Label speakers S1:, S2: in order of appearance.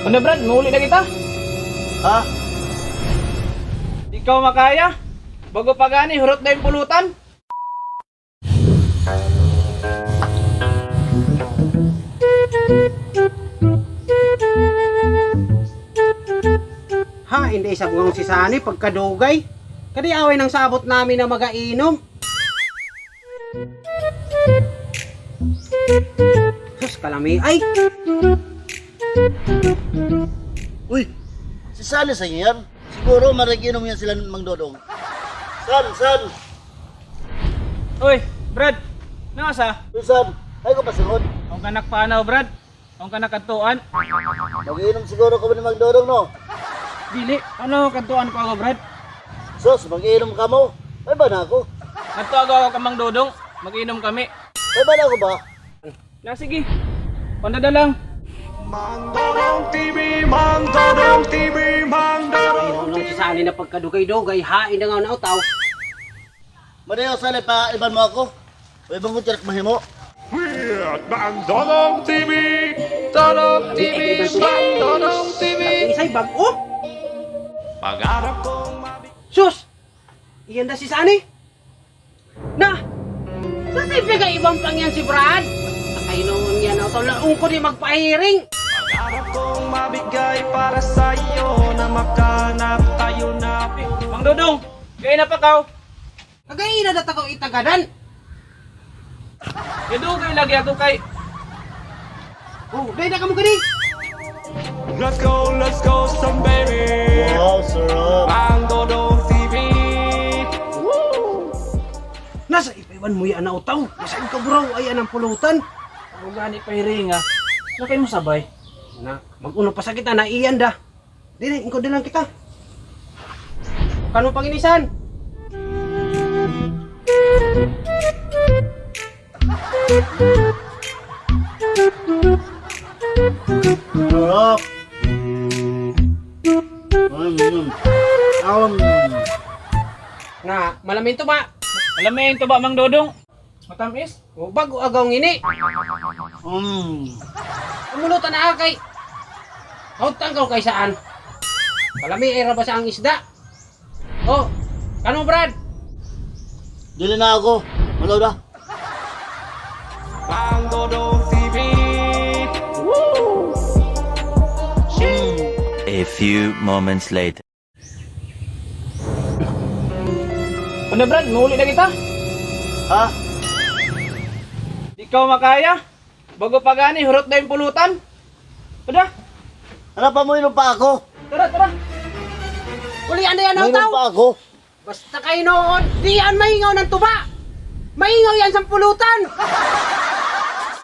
S1: Ano Brad, mahuli na kita.
S2: Ha?
S1: Ikaw makaya? Bago pa gani, hurot na yung pulutan.
S3: Ha, hindi sabong si Sani pagkadugay. Kadi away ng sabot namin na magainom. Sus, kalami. Ay!
S2: Uy, si Sally sa inyo yan. Siguro maraginom yan sila ng Mang Dodong. San?
S1: Uy, Brad, nasa?
S2: Uy, San, ay ko pasunod.
S1: Ang kanak paanaw, Brad. Ang kanak kantuan.
S2: Mag-inom siguro ko ni Mang Dodong, no?
S1: Dili, ano kantuan ko ako, Brad?
S2: Sos, mag-inom ka mo. Ay ba na ako?
S1: Kanto ako kamang dodong. Mag-inom kami.
S2: Ay ba na ako ba?
S1: Na sige. Pandada lang.
S3: Ayun lang si Sani na pagkadugay-dugay. Hain na nga na utaw.
S2: Madayo, Sally, pa iban mo ako. O ibang ko tiyak mahimo.
S4: Dodong TV! Dodong TV! Dodong TV!
S3: Isay bag-o.
S4: Pag-arap kong
S3: Sus! Iyan na si Sani. Na! Sasay pega ibang pang yan si Brad. Ay noon yan utaw. Laong ko di magpahiring.
S4: Pag-arap kong mabigay para sa'yo na makanap tayo na
S1: Mang Dodong, kaya na pa kaw.
S3: Kagaina na tako itagadan.
S1: Idugay lagi ako kay.
S3: Oh, dahil na ka mo gani.
S4: Let's go some baby!
S2: Wow, sarap.
S4: Ang Dodong TV!
S3: Nasa ipaiwan mo yan na utaw. Nasaan ka bro? Ay anang pulutan.
S1: Ang gani pa hiring ha. Na kayo mo sabay.
S3: Na, mag-uno pa sa kita na iyan da. Dili, ingko din lang kita. Kano panginisan?
S2: Sarap.
S3: Nga, malamin to ba?
S1: Alam mo yung tuba, Mang Dodong? Matamis?
S3: O bago agaw ngini. Umulutan na kay. Hautang ka kay saan? Malami ay rabasa ang isda. Oh, kano Brad?
S2: Dili na ako. Malaw na.
S4: Ang Dodong TV!
S5: A few moments later.
S1: Ano Brad, mahuli na kita.
S2: Ha?
S1: Ikaw makaya? Bago pa gani, hurot na yung pulutan. Pada,
S2: Hanap pa mo inom pa ako.
S1: tara.
S3: Uli ano yan
S2: Inom
S3: utaw?
S2: pa ako.
S3: Basta kayo noon, di yan mahingaw ng tuba. Mahingaw yan sa pulutan.